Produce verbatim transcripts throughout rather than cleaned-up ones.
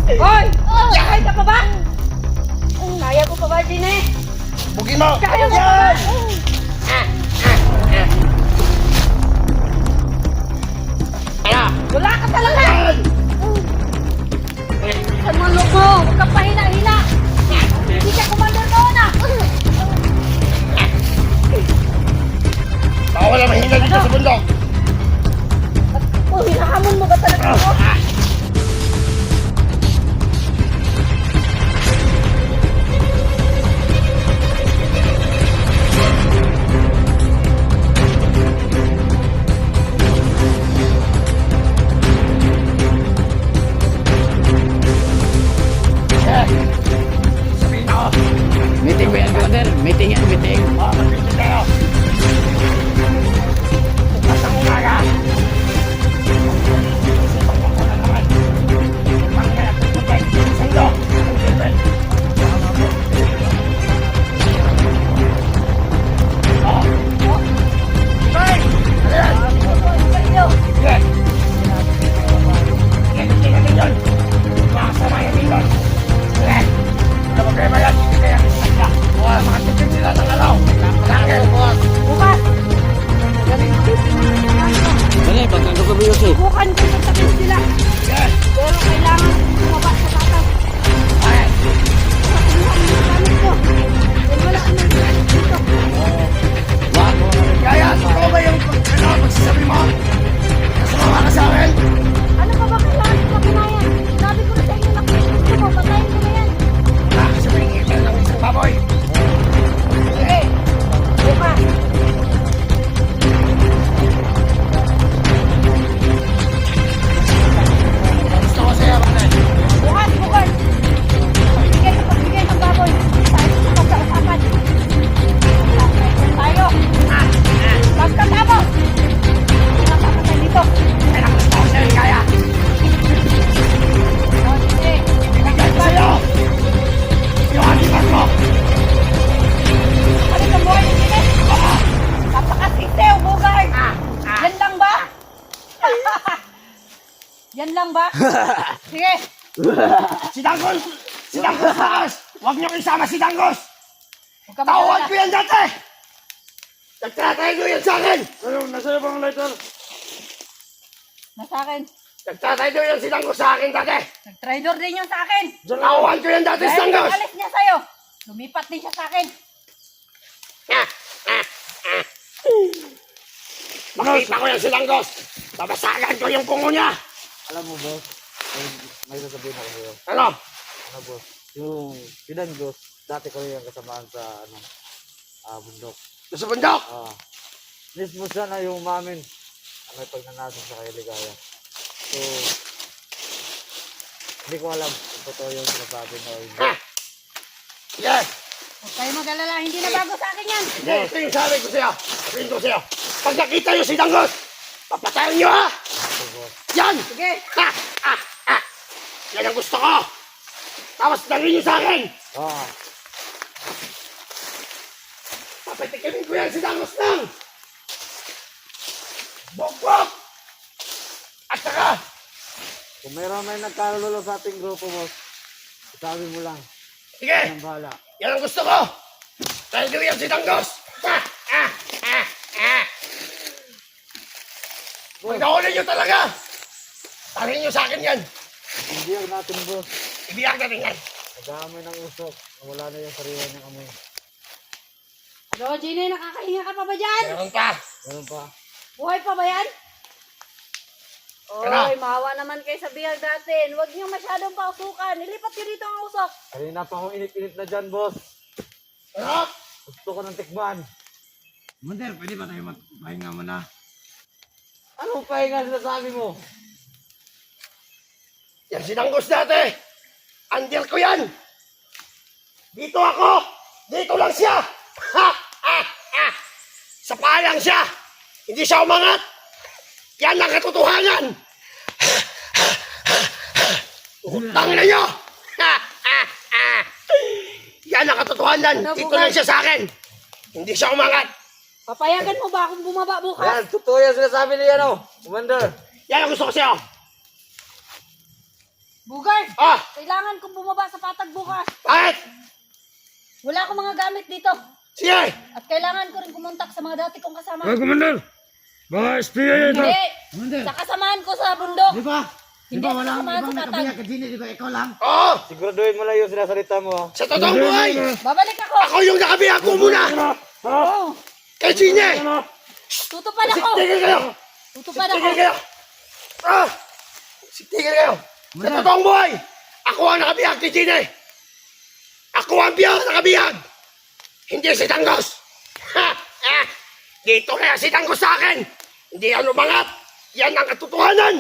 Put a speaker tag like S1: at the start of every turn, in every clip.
S1: Hoy! Kaya ka pa ba? Kaya ko pa ba, Gine?
S2: Bugin mo!
S1: Kaya mo pa ba?
S2: Kaya!
S1: Wala ka talaga! Saan mo ang loob mo? Huwag kang pahina-hina! Hindi ka commander noon ah!
S2: Bawal na mahina dito sa bundok!
S1: Oh, hinahamon mo ba talaga ako?
S2: Sabihin ako!
S3: Meeting ba yan, brother? Meeting yan, meeting.
S2: Oh, mag-meeting tayo! Bukas ang umaga! Isipang mo na naman! Pangkaya pupunta yung sando! Ang silbet! Oh! Hey! Ano yan? Sige! Sige, tingnan din yun! Makasama yan dito! Sige! Ano problema yan? Hindi kaya kisaya! Bukas, makatipid sila ng alaw! Malaki, bukas!
S1: Bukas! Galing ko dito.
S3: Dali, pagkang kagabi yun eh.
S1: Bukan ko sa tabi sila.
S2: Sige!
S1: Pero kailangan bumaba sa tatas.
S2: Okay!
S1: Pakuha mo yung gamit ko. Dahil wala ka nang dito.
S3: Wag.
S2: Kaya, ikaw ba yung ano, magsasabi mo? Kasama ka sa akin?
S1: Ano pa ba kailangan ko makinayan? Sabi ko na sa inyo na gusto mo, patayin ko na yan.
S2: Ah, sabihin kita ng isang baboy!
S1: Sige. Bukas.
S2: Gusto ko sa'yo, pare!
S1: Bukas, bukas. Pagbigay sa pagbigay ng baboy. Tayo sa pagkakasapan. Tayo. Pagkatapos. Nakakatay dito.
S2: Kaya gusto ko sa'yo, kaya!
S1: O, sige.
S2: Ibigay ko sa'yo! Yung animal mo!
S1: Ano sa buhay ni Gine? Napakasitew, bugay. Yan lang ba? Yan lang ba? Sige.
S2: Si Dangos! Si Dangos! Dangos! Huwag niyo isama si Dangos!
S1: Huwag ka
S2: Tawad
S1: mag-alala.
S2: ko yan dati! Nagtatay ko yan sa akin! Ano, nasa bang lighter?
S1: Nasa akin.
S2: Nagtatay ko yan si Dangos sa akin dati!
S1: Nag-tridor din yun sa akin.
S2: Tawad ko yan dati si
S1: Dahil
S2: Dangos!
S1: alis niya sa'yo. Lumipat din siya sa akin.
S2: Makita ko yan si Dangos! Babasagan ko yung kungo niya!
S3: Alam mo, boss, may, may sasabihin ako sa'yo.
S2: Ano?
S3: Ano, boss? Yung Sinangos, dati ko yung kasamaan sa, ano, ah, bundok.
S2: Sa bundok!
S3: Ah, mismo siya na yung umamin. Ang may pagnanasa sa kay Ligaya. So, hindi ko alam kung totoo yung sinasabi na hindi.
S2: Ha! Yes!
S1: Huwag kayo mag-alala. Hindi na bago sa akin yan.
S2: Hindi, ito yung sabi ko sa'yo. Sabihin ko sa'yo. Pag nakita niyo si Dangos, papatayin niyo ha!
S3: So, boss,
S2: Yan!
S1: Sige.
S2: Ha! Ha! Ha! Yan ang gusto ko! Tapos dalhin niyo sa akin!
S3: ah,
S2: Papatikimin ko yan si Dangos lang! Bok-bok! At saka,
S3: kung mayroon may nagkalulo sa ating grupo, boss, sabi mo lang,
S2: sige!
S3: yan ang bahala.
S2: Yan ang gusto ko! Dahil niyo yan si Dangos! Ha! Ha! Ha! Ha! Pag nahuli niyo talaga, tarin niyo sa akin yan!
S3: Hindi ang natin, boss.
S2: Ibiyag natin yan!
S3: Nag-aamoy ng usok. Wala na yung sariwa niyang amoy.
S1: Ano, Gine? Nakakahinga ka pa ba dyan?
S2: Meron pa!
S3: Ganun pa.
S1: Buhay pa ba yan?
S2: Ano?
S1: Oy, maawa naman kayo sa bihag natin. Huwag niyo masyadong pausukan. Ilipat niyo dito ang usok.
S3: Kanina pa akong init-init na dyan, boss.
S2: Ano?
S3: Gusto ko ng tikman.
S2: Mander, pwede ba tayo magpahinga muna?
S3: Anong pahinga sinasabi mo?
S2: Yan si Dangos dati! Andil ko yan! Dito ako! Dito lang siya! Ha! Ha! Ha! Sa payang siya! Hindi siya umangat! Yan ang katotohanan! Utang na nyo! Ha! Ha! Ha! Yan ang katotohanan!
S1: Ano,
S2: Dito
S1: Bugay?
S2: lang siya sa akin! Hindi siya umangat!
S1: Papayagan mo ba akong bumaba bukas?
S3: Yan, totoo yan sinasabi ni ano, Commander.
S2: Yan ang gusto ko sa'yo!
S1: Bugard,
S2: Ah!
S1: kailangan kong bumaba sa patag bukas.
S2: Bakit?
S1: Wala akong mga gamit dito.
S2: Sige!
S1: At kailangan ko rin kumontak sa mga dati kong kasama.
S4: Ay, Commander! Mga S P A yan!
S1: Hindi!
S4: Commander!
S1: Sa kasamahan ko sa bundok.
S4: Di ba? Di
S1: Hindi
S4: ba
S1: ako
S4: walang
S1: samahan
S4: ibang
S1: sa patag.
S4: nakabiyak ka dini? Di ba ikaw lang?
S2: Oo!
S3: Siguraduhin mo lang yung sinasalita mo. ah.
S2: Sa totoong buhay!
S1: Babalik ako.
S2: Ako yung nakabiyak ko muna!
S1: Oo.
S2: Kay Gine!
S1: Tutupad ako.
S2: Tigil kayo!
S1: Tutupad ako.
S2: Tigil kayo! Ah! Tigil kayo! Sa totoong buhay! Ako ang nakabiyak kay Gine! Ako ang biyak nakabiyak! Hindi si Tanggos! Ha! Ah! Dito kaya si Tanggos sa akin! Hindi ano umangat! Yan ang katotohanan!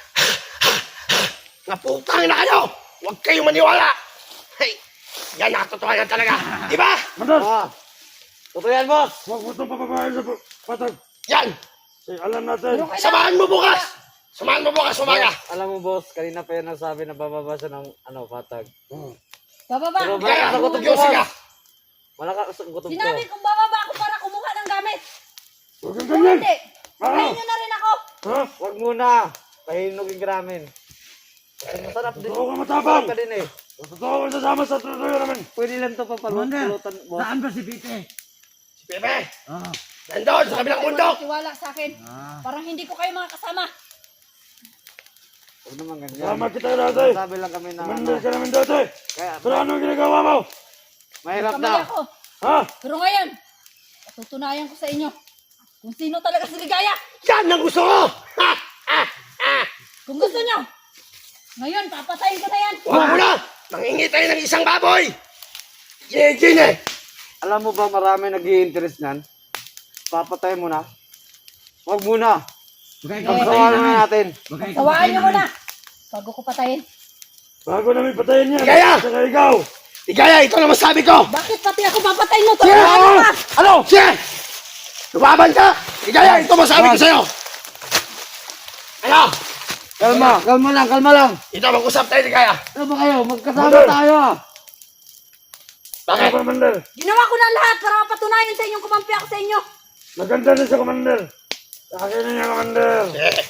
S2: Naputang na kayo! Huwag kayong maniwala! Hey! Yan ang katotohanan talaga! Di ba?
S3: Ah. Totoo yan, boss.
S4: Huwag mo itong papabayan sa patag.
S2: Yan!
S4: Eh, alam natin.
S1: Pero kailangan-
S2: Samahan mo bukas! Samahan mo bukas umaga!
S3: Boss, alam mo, boss, kanina pa yan nasabi na bababa siya ng ano, patag.
S1: Bababa.
S3: Pero
S2: Kaya,
S3: malakas ang gutom ko,
S2: Diyos ka!
S3: boss. Malakas ang gutom ko.
S1: Sinabi kong bababa ako para kumuha ng gamit.
S4: Huwag kang
S1: Kung
S4: ganyan.
S1: hindi,
S4: Ah.
S1: patayin nyo na rin ako.
S4: Ha?
S3: Wag muna. Pahinugin ka namin. Kasi masarap din.
S4: Totoo ka matapang.
S3: Masarap ka din eh.
S4: Totoo ka sasama sa tuloy namin.
S3: Pwede lang to papalulutan, boss.
S4: Saan ba si Pite?
S2: Si Pepe!
S4: Ah.
S2: Nandun sa kabilang bundok!
S1: Tiwala sa akin.
S4: Ah.
S1: Parang hindi ko kayo mga kasama.
S3: Huwag naman ganyan.
S4: Sama kita dati.
S3: Sabi lang kami na ano.
S4: Commander ka namin dati.
S3: Kaya,
S4: Pero ano ang ginagawa mo?
S3: mahirap
S1: Kamali
S3: na.
S1: ako.
S4: Ha?
S1: Pero ngayon, patutunayan ko sa inyo kung sino talaga si Ligaya.
S2: Yan ang gusto ko! Ha! Ha! Ha!
S1: Kung gusto nyo, ngayon papatayin ko na yan.
S2: Huwag mo na! Mangingi tayo ng isang baboy! Gine-gine!
S3: Alam mo ba marami nag-i-interest niyan? Papatay mo na. Huwag muna.
S4: Huwag
S3: Pagsawalan na natin.
S1: Sawaan nyo muna bago ko patayin.
S4: Bago namin patayin yan.
S2: Ligaya!
S4: Saka ikaw.
S2: Ligaya, ito na masabi ko!
S1: Bakit pati ako papatayin mo?
S2: Sige!
S1: Tulungan mo ka!
S2: Ano? Sige! Lumaban ka! Ligaya, ito masabi ko sa'yo! Ano?
S3: Kalma, kalma lang, kalma lang.
S2: Ito, mag-usap tayo, Ligaya!
S3: Ano ba kayo? Magkasama
S4: Mother.
S3: tayo ah.
S2: Bakit?
S4: Commander.
S1: Ginawa ko na lahat para mapatunayan sa inyong kumampi ako sa inyo.
S4: Maganda din sa Commander. Akin na niya, Commander.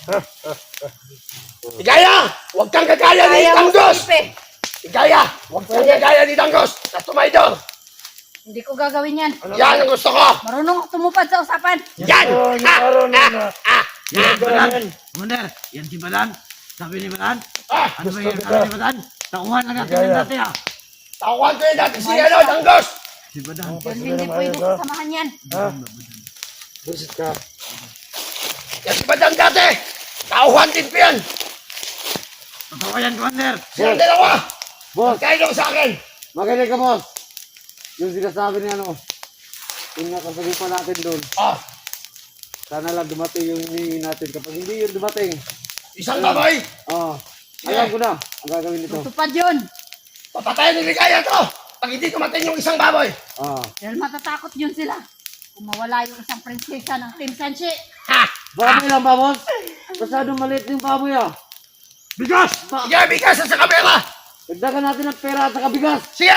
S2: Ligaya! Huwag kang gagaya ni
S1: Kaya mo
S2: Tanggos!
S1: Felipe.
S2: Ligaya! Huwag kang gagaya ni Tanggos! Na tumaydor!
S1: Hindi ko gagawin yan.
S2: Yan ang gusto ko!
S1: Marunong ako tumupad sa usapan.
S2: Yan!
S4: Oh, yung
S2: Ha!
S4: araw na
S2: Ha!
S4: na.
S2: Ha!
S4: Yan, Balan.
S5: Commander, yan si Balan. Sabi ni Balan,
S2: Ah!
S5: ano ba yan sabi ni Balan? Tauhan na natin yan dati ah.
S2: Takuan ko yung dati si ano, Tanggos!
S5: Si Balan.
S1: Yan hindi pwede sasamahan yan.
S4: Ha?
S3: Busit ka.
S2: Yan si Badang dati! Tauhan din ko yan!
S5: Totoo yan, Commander.
S2: Silang dalawa!
S3: Boss,
S2: Kayo sa akin!
S3: magaling ka, boss. Yung sinasabi ni ano, yung nakasagupan natin doon.
S2: Ah!
S3: Sana lang dumating yung hinihingi natin. Kapag hindi yun dumating,
S2: Isang baboy!
S3: oh, alam ko na ang gagawin nito.
S1: Tupad yun.
S2: Papatayin ni Ligaya to! Pag hindi tumating yung isang baboy!
S3: Ah.
S1: Dahil matatakot yun sila. Kung mawala yung isang prinsesa ng Team Sanchi.
S2: Ha!
S3: Baboy lang ba, boss? Masyadong maliit yung baboy ah.
S4: Bigas!
S2: Sige, bigas sa kamera!
S3: Dagdagan natin ng pera at saka bigas.
S2: Sige!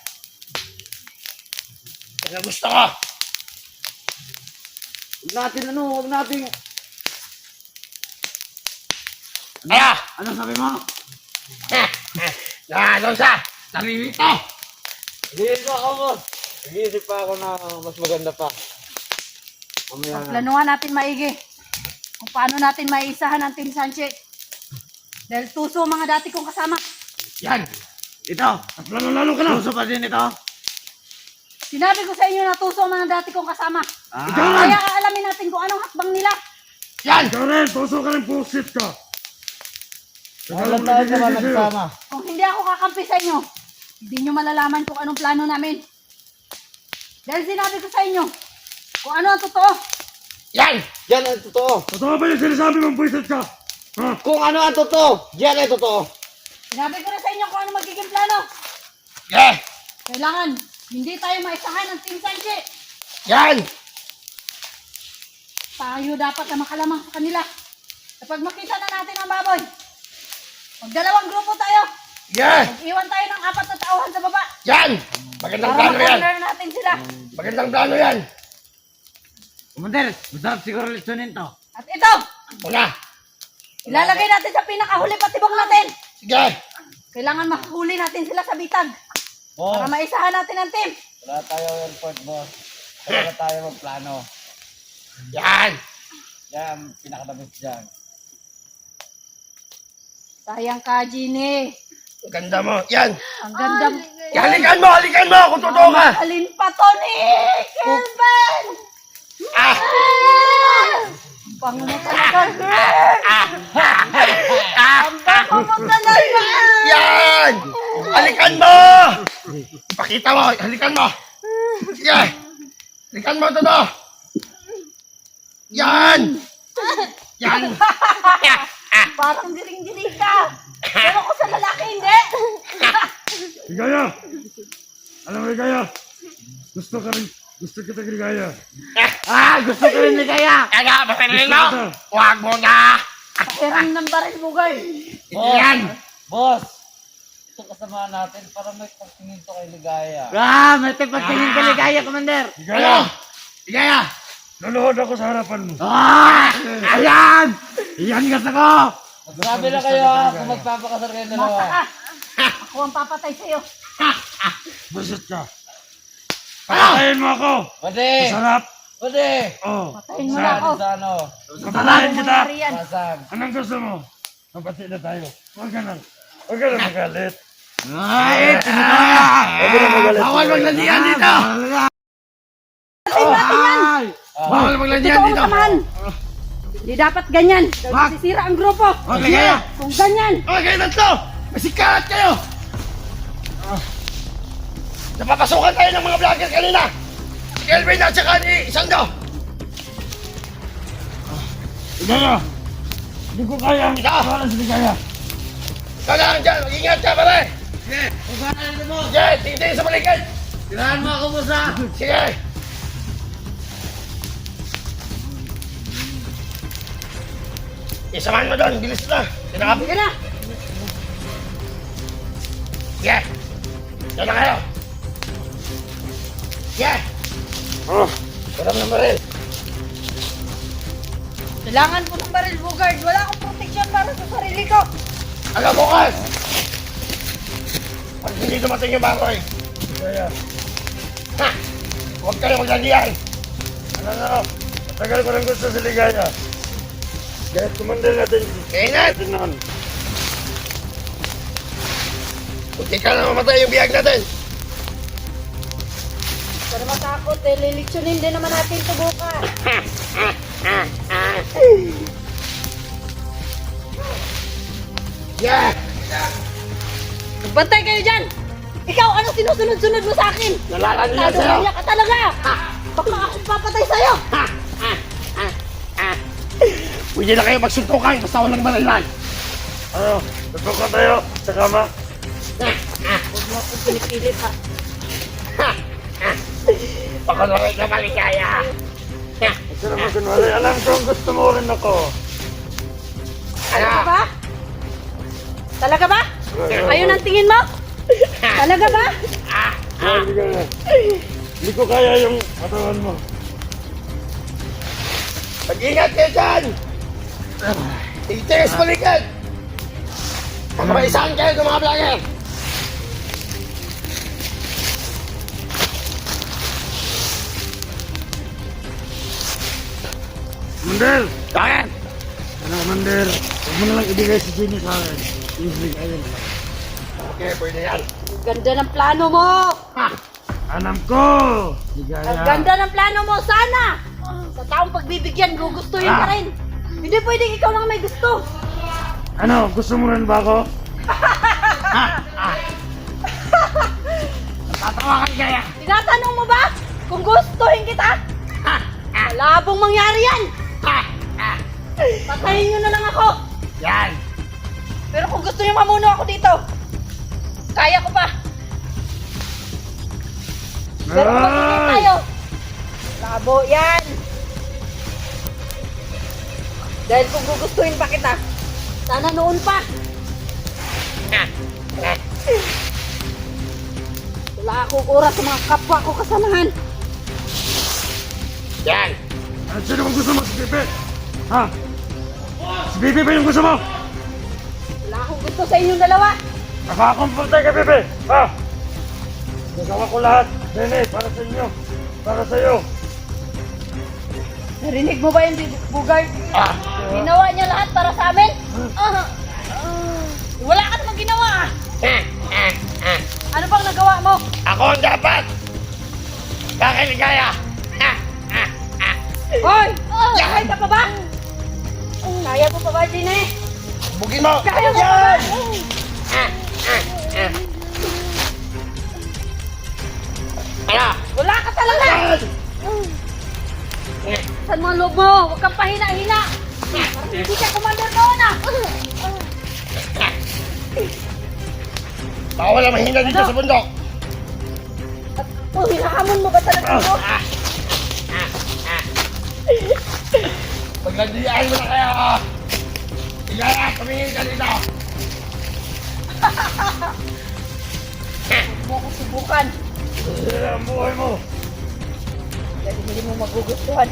S2: Yan ang gusto ko!
S3: Huwag natin ano, huwag natin.
S2: Kaya!
S5: Ano sabi mo?
S2: Ha! Ha! Nakalaw sa! Naririto!
S3: Nag-iisip pa ako, boss. Nag-iisip pa ako na mas maganda pa. Mamaya na.
S1: Planuhan natin maigi. Kung paano natin maisahan ang Team Sanchi. Dahil tuso ang mga dati kong kasama.
S2: Yan!
S5: Ito,
S4: At lalo-lalo ka na.
S5: puso pa din ito.
S1: Sinabi ko sa inyo na tuso ang mga dati kong kasama.
S5: Ah,
S1: Kaya aalamin natin kung anong hakbang nila.
S2: Yan!
S4: Ikaw rin, puso ka rin, pusit ka.
S3: Alam tayo naman nagsama.
S1: Kung hindi ako kakampi sa inyo, hindi nyo malalaman kung anong plano namin. Dahil sinabi ko sa inyo, kung ano ang totoo.
S2: Yan!
S3: Yan ang totoo.
S4: Totoo ba yung sinasabi mong pusit ka? Ha?
S3: Kung ano ang totoo, yan ang totoo.
S1: Sinabi ko na sa inyo kung ano magiging plano.
S2: Yeah!
S1: Kailangan, hindi tayo maisahan ng Team Sanchi.
S2: Yan!
S1: Tayo dapat na makalamang sa kanila. Kapag makita na natin ang baboy, magdalawang grupo tayo.
S2: Yeah!
S1: Mag-iwan tayo ng apat na tauhan sa baba.
S2: Yan! Magandang
S1: Para
S2: plano yan!
S1: makorner natin sila.
S2: Magandang plano yan!
S5: Commander, masarap siguro lechonin to.
S1: At ito,
S2: Muna!
S1: ilalagay natin sa pinakahuli patibok natin.
S2: Sige!
S1: Kailangan makahuli natin sila sa bitag.
S3: Boss,
S1: Para maisahan natin ang team.
S3: wala tayo airport, boss. Wala tayo magplano.
S2: Yan!
S3: Yan, pinakadabit dyan.
S1: Sayang ka, Gini.
S2: Ang ganda mo. Yan!
S1: Ang ganda.
S2: Halikan mo! Halikan mo! Kung totoo ka!
S1: Alin pa to ni Kelvin?
S2: Ah!
S1: Bango mo talaga. Ang bango mo talaga.
S2: Yan! Halikan mo! Ipakita mo! Halikan mo! Sige! Halikan mo ito to! Yan! Yan!
S1: Parang diring-diring ka. Pero ko sa lalaki, hindi.
S4: Ligaya! Alam mo, Ligaya? Gusto ka rin, gusto kita, Ligaya.
S5: Ah, gusto ko rin ligaya.
S2: Kaya, masarin mo! Huwag mo na!
S1: Pakiram ng baril mo, guys.
S2: Yan!
S3: Boss, ito kasama natin para may pagtingin to kay Ligaya.
S5: Ah, may pagtingin ka ligaya, Commander.
S2: Ano? Ligaya!
S4: Luluhod ako sa harapan mo.
S5: Ah, ayan. Iyan gusto ko.
S3: Grabe na kayo ha, kung magpapakasal kayo
S1: Mata
S3: dalawa.
S1: ka. Ako ang papatay sa'yo.
S4: Busit ka. Patayin mo ako.
S3: Pwede!
S4: Masarap.
S3: Pwede!
S4: Oh.
S1: Patayin mo na ako.
S3: Saan? Sa ano?
S4: Patayin kita.
S1: Mangyari yan.
S3: Saan?
S4: Anong gusto mo? Mapati na tayo. Huwag ka na. Huwag ka na magalit.
S5: Ay, tinataya.
S4: Huwag ka na magalit.
S2: Bawal maglandian dito!
S5: Ay,
S2: Bawal maglandian
S1: Ito ang
S2: dito!
S1: samahan. Hindi dapat ganyan. Dahil sisira ang grupo.
S5: Wag ligaya.
S1: Kung ganyan.
S2: Okay, kayo tatlo! Masikalat kayo! Napapasukan tayo ng mga vlogger kanina! Si Kelvin at saka ni Isando!
S4: Ligaya. Hindi ko kaya ang
S2: Ikaw!
S4: kawalan sa Ligaya.
S2: Ikaw lang dyan! Mag-ingat ka pare! Sige! Sige! Tingin sa balikan!
S5: Tirahan mo ako, boss, ah.
S2: Sige! Isamahan mo doon! Bilis na! Sinakap!
S1: Sige na.
S2: Sige! Diyan na kayo! Sige!
S4: Oh.
S2: Sarap ng baril!
S1: Kailangan ko ng baril, Bugard. Wala akong protection para sa sarili ko.
S2: Hanggang bukas! Pag hindi dumating yung bakoy,
S4: Ligaya.
S2: ha! Huwag kayo maglandian!
S4: Ano na? Tagal ko rin gusto si Ligaya. Kahit kumandal natin.
S2: Kainat!
S4: Natin noon.
S2: Kunti ka na mamatay yung biyag natin!
S1: Para matakot eh, lilitsunin din naman natin ito bukas.
S2: Yeah!
S1: Bantay kayo dyan! Ikaw, ano sinusunod-sunod mo sa akin?
S2: Nalalandian sa'yo!
S1: Tadong ka talaga! Baka akong papatay sa'yo!
S2: Pwede na kayo magsuntukan basta walang barilan!
S4: Ano? Tutukan tayo sa kama.
S1: Huwag mo akong pinipilit ha.
S2: Pakunawit na maligaya!
S4: Kasi naman kunwari, alam ko ang gusto mo rin ako.
S2: Ano?
S1: Talaga ba? Talaga ba? Ayun ang tingin mo? Talaga ba?
S4: Ah, Ligaya. Hindi ko kaya yung katawan mo.
S2: Mag-ingat kayo dyan! Itigas balikan! Baka maisahan kayo ng mga vlogger!
S4: Mandel!
S2: Bakit?
S4: Ano, Mandel? Huwag mo na lang ibigay si Jenny sa akin. Yung Ligaya na lang.
S2: Okay, pwede yan.
S1: Ang ganda ng plano mo!
S2: Ha!
S4: Alam ko! Ligaya.
S1: Ang ganda ng plano mo! Sana! Sa taong pagbibigyan, gugustuhin ka rin. Hindi pwedeng ikaw lang may gusto.
S4: Ano, gusto mo rin ba ako?
S2: Tatawa ka kaya!
S1: Tinatanong mo ba kung gustuhin kita? Malabong mangyari yan! Patayin nyo na lang ako!
S2: Yan!
S1: Pero kung gusto nyo mamuno ako dito, kaya ko pa. Pero kung magiging
S4: Ay!
S1: tayo, labo yan! Dahil kung gugustuhin pa kita, sana noon pa. Wala akong oras sa mga kapwa ko kasamahan.
S2: Yan!
S4: Ano sino bang gusto mo? Si Bibi? Ha? Si Bibi ba yung gusto mo?
S1: Wala akong gusto sa inyong dalawa.
S4: Nakakomporte ka, bebe! Ha? Nagawa ko lahat, Nene, para sa inyo. Para sa'yo.
S1: Narinig mo ba yung Bugard?
S2: Ah,
S1: Ginawa niya lahat para sa amin? Ah, ah, wala ka namang ginawa ah.
S2: ah, ah, ah.
S1: Ano bang nagawa mo?
S2: Ako ang dapat! Kakiligaya! Ha, ha, ha.
S1: Hoy! Kaya ka pa ba? Kaya mo pa ba, Gine?
S2: Bugin mo!
S1: Kaya mo pa ba?
S2: Yan! Ah, ah, ah. Ano?
S1: Wala ka talaga!
S2: Yan!
S1: Saan mo ang loob mo? Huwag kang pahina-hina! Parang hindi ka commander noon ah!
S2: Bawal ang mahina dito
S1: Ano?
S2: sa bundok!
S1: Oh, hinahamon mo ba talaga ito?
S2: Ah, ah, ah. Maglandian mo na kaya ako! Igaya, tumingin ka dito!
S1: Huwag mo ko subukan.
S4: Sila ang buhay mo.
S1: Dahil hindi mo magugustuhan.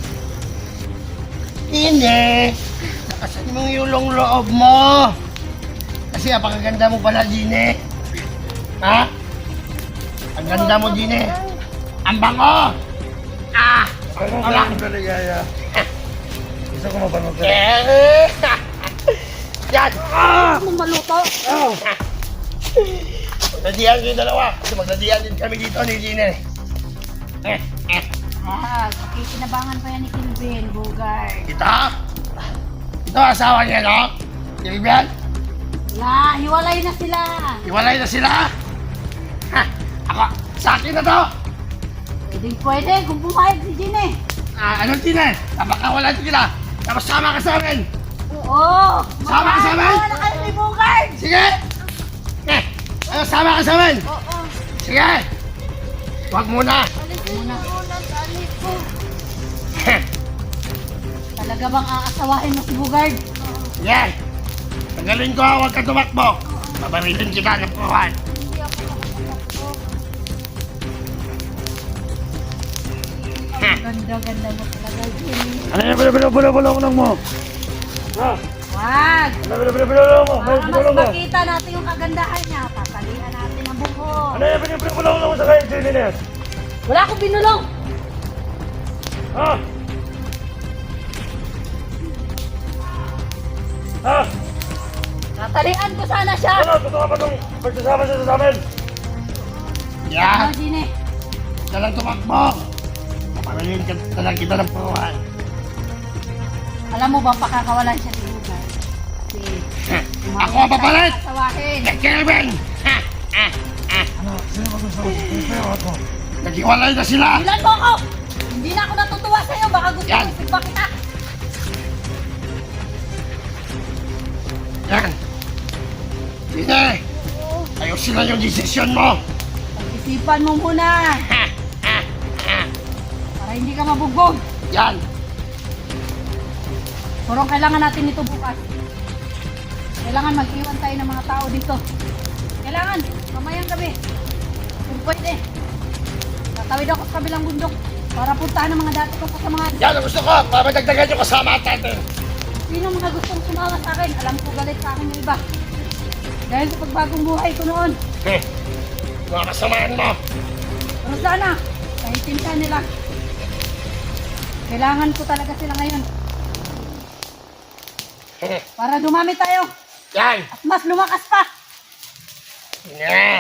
S2: Hindi! Nakasan mo yung loob mo! Kasi apakaganda mo pala, Gine! Ha? Ang ganda mo, Gine! Ang bango! Ah!
S4: Ano
S2: Wala.
S4: ka kaligaya? Gusto ko mapanood ka.
S2: Eh! Yan! Ah!
S1: Huwag mo maluto.
S2: Magladian kayo dalawa. Kasi magladian din kami dito ni Gine. Eh, eh.
S1: Ah, pakikinabangan pa yan ni Kilvin, Bugard.
S2: Ito? Ito asawa niya, no? Silvian?
S1: Wala, hiwalay na sila.
S2: Iwalay na sila? Ha! Ako, sa akin na to!
S1: Pwedeng pwede kung pumayag si Gine.
S2: Ah, anong Gine? Napakawala sila. Tapos sama ka sa amin.
S1: Oo!
S2: Sama ka sa amin?
S1: Sama na kayo ni Bugard!
S2: Sige! Eh, ano, sama ka sa amin?
S1: Oo.
S2: Sige! Huwag muna.
S1: Muna.
S6: ko.
S1: Talaga bang aasawahin mo si Bugard?
S2: Yan! Tagalin ko, huwag ka tumakbo. Babarilin kita ng puruhan.
S6: Hindi ako makatakbo.
S1: Ang ganda-ganda mo talaga, Jimmy.
S4: Ano yung pinapulong mo? Ha?
S1: Wag!
S4: Ano yung pinapulong mo? May
S1: Para mas
S4: pinapulong mo?
S1: makita natin yung kagandahan niya, papalian natin ang buko.
S4: Ano yung pinapulong mo sa kayo, Jimmy?
S1: Wala akong binulong!
S4: Ha? Ha?
S1: Natalian ko sana siya!
S4: Ano? Totoo ka ba itong pagsasama siya sa amin?
S2: Yan!
S1: Ano, Gine?
S2: Huwag ka lang tumakbo. Babarilin ka talaga kita ng puruhan.
S1: Alam mo ba pakakawalan siya ni Bugard? Kasi
S2: Ako ang papalit!
S1: asawahin.
S2: Kelvin! Ha! Ha! Ha!
S4: Ano? Sino ba gusto mo? Sino ako?
S2: Naghiwalay na sila!
S1: Ilan mo ako! Hindi na ako natutuwa sa'yo, baka gusto
S2: Yan.
S1: mo sigba kita.
S2: Yan! Sige! Ayusin na yung desisyon mo!
S1: Pag-isipan mo muna,
S2: Ha! Ha! Ha!
S1: para hindi ka mabugbog.
S2: Yan!
S1: Pero kailangan natin ito bukas. Kailangan mag-iwan tayo ng mga tao dito. Kailangan, mamayang gabi. Kung pwede. Tatawid ako sa kabilang bundok para puntahan ng mga dati kong kasamahan.
S2: Yan ang gusto ko! Para madagdagan yung kasama natin!
S1: Sino mga gustong sumama sa akin, alam ko galit sa akin yung iba. Dahil sa pagbagong buhay ko noon.
S2: Hmm. Mga kasamaan mo!
S1: Pero sana, naintindihan nila. Kailangan ko talaga sila ngayon.
S2: Hmm.
S1: Para dumami tayo
S2: Yan!
S1: at mas lumakas pa.
S2: Ne!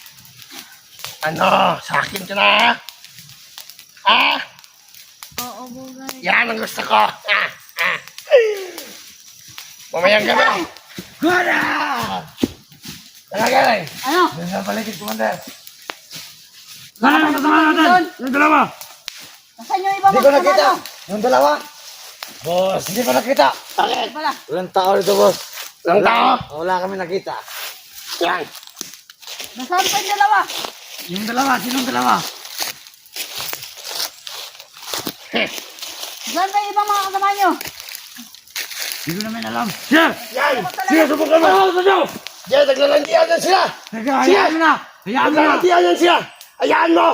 S2: Ano? Sa akin ka na? Ha?
S6: Oo, Bugard.
S2: Yan ang gusto ko! Ha! Ha! Mamayang gabi! Gora! Talaga eh!
S1: Ano?
S4: Diyan sa paligid, Commander.
S1: Ano
S4: Ano yung kasama natin? Yung dalawa.
S1: Nasaan yung iba
S3: Hindi ko
S1: mga
S3: nakita.
S1: kasama?
S3: Yung dalawa. Boss, hindi ko nakita.
S2: Bakit?
S1: Wala.
S3: Walang tao dito, boss.
S2: Walang tao?
S3: Wala kami nakita.
S2: Yan!
S1: Nasaan pa yung dalawa?
S3: Yung dalawa, sinong dalawa?
S1: Nasaan pa yung ibang mga kasama nyo?
S3: Hindi ko namin alam.
S4: Siya!
S2: Yan!
S4: Siya, subukan mo! Ano sa inyo?
S2: Yan! Naglalandian yan sila!
S3: Teka, hayaan mo na. Hayaan mo na.
S2: Naglalandian yan sila! Hayaan mo!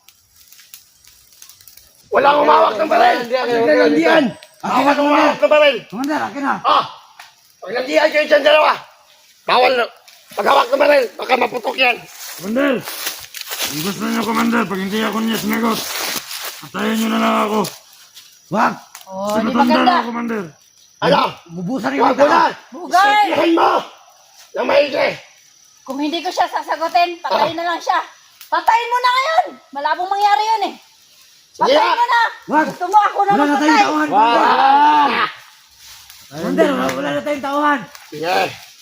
S2: Walang umawak ng baril! Naglalandian!
S3: Akin na,
S2: Bawal umawak ng baril!
S3: Commander, akin na.
S2: Ah! Pag nandiyan kayo dyan dalawa, bawal, Paghawak ng baril, baka maputok yan.
S4: Commander! Kung gusto niyo, Commander, pag hindi ako niya sinagot, patayin niyo na lang ako.
S5: Wag!
S1: Oh, di
S4: Sinatanda
S1: maganda.
S4: ako, Commander.
S2: Ano?
S5: Bubusan yung
S2: Huwag mo na!
S1: Bugay!
S2: Isipin mo! Na maigi!
S1: Kung hindi ko siya sasagutin, patayin na lang siya. Patayin mo na ngayon! Malabong mangyari yun eh.
S2: Sige
S1: Patayin
S2: na!
S1: mo na!
S5: Wag!
S1: Gusto mo ako na
S5: Wala na tayong
S1: magpatay?
S5: tauhan!
S2: Ah!
S5: Commander, wala, wala na tayong tauhan!
S2: Sige!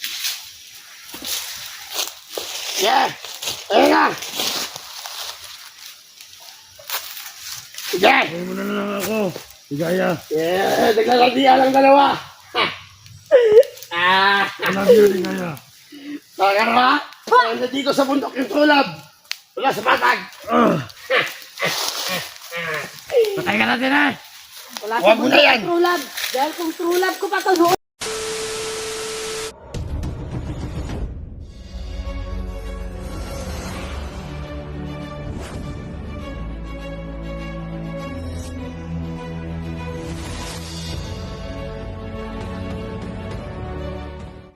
S2: Sige! Ayun na! Sige!
S4: Patayin mo na lang ako. Higaya.
S2: Yeah, naglalagyan lang dalawa! Ah!
S4: I love you, Higaya.
S2: Tagar ba? Wala dito sa bundok yung tulab! Wala sa patag!
S4: Ah!
S5: Patay ka natin eh!
S1: Wala
S2: Huwag mo na yan.
S1: true love. Dahil kung true love ko pa to,